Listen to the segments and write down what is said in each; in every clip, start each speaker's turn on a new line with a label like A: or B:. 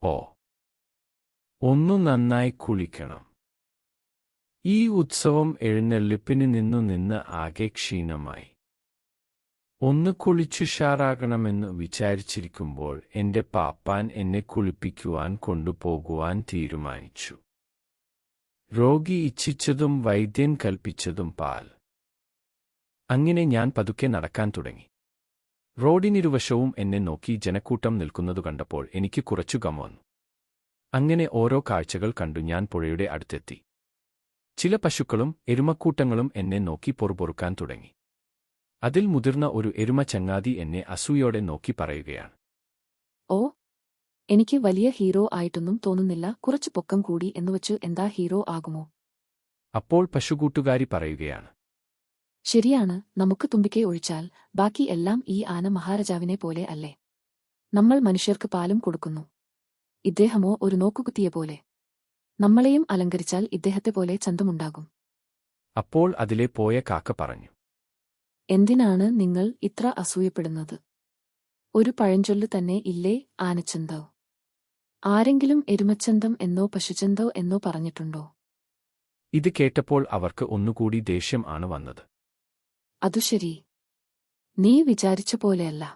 A: ഓ, ഒന്നു നന്നായി കുളിക്കണം. ഈ ഉത്സവം എഴുന്നള്ളിപ്പിന് നിന്ന് ആകെ ക്ഷീണമായി. ഒന്ന് കുളിച്ചുഷാറാകണമെന്ന് വിചാരിച്ചിരിക്കുമ്പോൾ എന്റെ പാപ്പാൻ എന്നെ കുളിപ്പിക്കുവാൻ കൊണ്ടുപോകുവാൻ തീരുമാനിച്ചു. രോഗി ഇച്ഛിച്ചതും വൈദ്യൻ കൽപ്പിച്ചതും പാൽ. അങ്ങനെ ഞാൻ പതുക്കെ നടക്കാൻ തുടങ്ങി. റോഡിനിരുവശവും എന്നെ നോക്കി ജനക്കൂട്ടം നിൽക്കുന്നതു കണ്ടപ്പോൾ എനിക്ക് കുറച്ചു ഗം വന്നു. അങ്ങനെ ഓരോ കാഴ്ചകൾ കണ്ടു ഞാൻ പുഴയുടെ അടുത്തെത്തി. ചില പശുക്കളും എരുമക്കൂട്ടങ്ങളും എന്നെ നോക്കി പൊറുപൊറുക്കാൻ തുടങ്ങി. അതിൽ മുതിർന്ന ഒരു എരുമ ചങ്ങാതി എന്നെ അസൂയോടെ നോക്കി പറയുകയാണ്.
B: ഓ, എനിക്ക് വലിയ ഹീറോ ആയിട്ടൊന്നും തോന്നുന്നില്ല. കുറച്ചു പൊക്കം കൂടി എന്നുവച്ചു എന്താ ഹീറോ ആകുമോ?
A: അപ്പോൾ പശുകൂട്ടുകാരി പറയുകയാണ്.
B: ശരിയാണ്, നമുക്ക് തുമ്പിക്കെ ഒഴിച്ചാൽ ബാക്കി എല്ലാം ഈ ആന മഹാരാജാവിനെ പോലെ അല്ലേ? നമ്മൾ മനുഷ്യർക്ക് പാലും കൊടുക്കുന്നു. ഇദ്ദേഹമോ ഒരു നോക്കുകുത്തിയെ പോലെ. നമ്മളെയും അലങ്കരിച്ചാൽ ഇദ്ദേഹത്തെ പോലെ ചന്തമുണ്ടാകും.
A: അപ്പോൾ അതിലെ പോയ കാക്ക പറഞ്ഞു.
B: എന്തിനാണ് നിങ്ങൾ ഇത്ര അസൂയപ്പെടുന്നത്? ഒരു പഴഞ്ചൊല്ലു തന്നെ ഇല്ലേ, ആനച്ചന്തോ? ആരെങ്കിലും എരുമച്ചന്തം എന്നോ പശുചന്തോ എന്നോ പറഞ്ഞിട്ടുണ്ടോ?
A: ഇത് കേട്ടപ്പോൾ അവർക്ക് ഒന്നുകൂടി ദേഷ്യം ആണ് വന്നത്.
B: അതു ശരി, നീ വിചാരിച്ച പോലെയല്ല.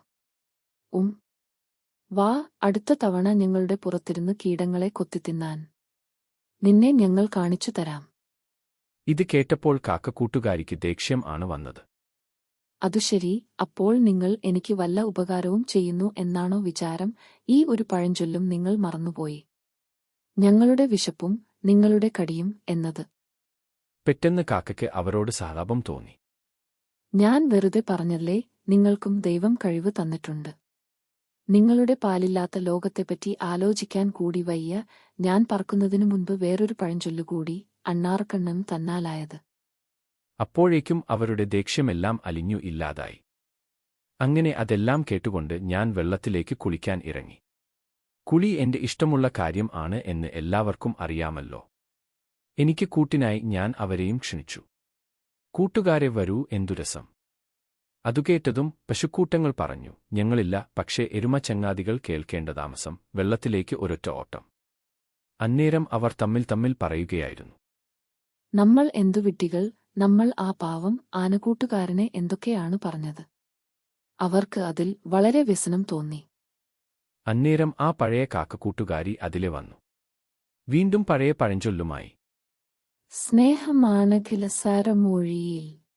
B: വാ, അടുത്ത തവണ ഞങ്ങളുടെ പുറത്തിരുന്ന് കീടങ്ങളെ കൊത്തിത്തിന്നാൻ നിന്നെ ഞങ്ങൾ കാണിച്ചു തരാം.
A: ഇത് കേട്ടപ്പോൾ കാക്കക്കൂട്ടുകാരിക്ക് ദേഷ്യം ആണ് വന്നത്.
B: അതു ശരി, അപ്പോൾ നിങ്ങൾ എനിക്ക് വല്ല ഉപകാരവും ചെയ്യുന്നു എന്നാണോ വിചാരം? ഈ ഒരു പഴഞ്ചൊല്ലും നിങ്ങൾ മറന്നുപോയി. ഞങ്ങളുടെ വിശപ്പും നിങ്ങളുടെ കടിയും എന്നത്.
A: പെട്ടെന്ന് കാക്കയ്ക്ക് അവരോട് സഹതാപം തോന്നി.
B: ഞാൻ വെറുതെ പറഞ്ഞല്ലേ, നിങ്ങൾക്കും ദൈവം കഴിവ് തന്നിട്ടുണ്ട്. നിങ്ങളുടെ പാലില്ലാത്ത ലോകത്തെപ്പറ്റി ആലോചിക്കാൻ കൂടി വയ്യ. ഞാൻ പറക്കുന്നതിനു മുൻപ് വേറൊരു പഴഞ്ചൊല്ലുകൂടി, അണ്ണാറക്കണ്ണൻ തന്നാലായത്.
A: അപ്പോഴേക്കും അവരുടെ ദേഷ്യമെല്ലാം അലിഞ്ഞു ഇല്ലാതായി. അങ്ങനെ അതെല്ലാം കേട്ടുകൊണ്ട് ഞാൻ വെള്ളത്തിലേക്ക് കുളിക്കാൻ ഇറങ്ങി. കുളി എന്റെ ഇഷ്ടമുള്ള കാര്യം ആണ് എന്ന് എല്ലാവർക്കും അറിയാമല്ലോ. എനിക്ക് കൂട്ടിനായി ഞാൻ അവരെയും ക്ഷണിച്ചു. കൂട്ടുകാരെ വരൂ, എന്തു രസം. അതുകേട്ടതും പശുക്കൂട്ടങ്ങൾ പറഞ്ഞു, ഞങ്ങളില്ല. പക്ഷേ എരുമ ചങ്ങാതികൾ കേൾക്കേണ്ട താമസം. വെള്ളത്തിലേക്ക് ഒരൊറ്റ ഓട്ടം. അന്നേരം അവർ തമ്മിൽ പറയുകയായിരുന്നു.
B: നമ്മൾ എന്തു വിഡ്ഢികൾ, നമ്മൾ ആ പാവം ആനക്കൂട്ടുകാരനെ എന്തൊക്കെയാണ് പറഞ്ഞത്. അവർക്ക് അതിൽ വളരെ വ്യസനം തോന്നി.
A: അന്നേരം ആ പഴയ കാക്കക്കൂട്ടുകാരി അതിലെ വന്നു. വീണ്ടും പഴയ പഴഞ്ചൊല്ലുമായി.
B: സ്നേഹമാണ് കിലസാരമൊഴിയിൽ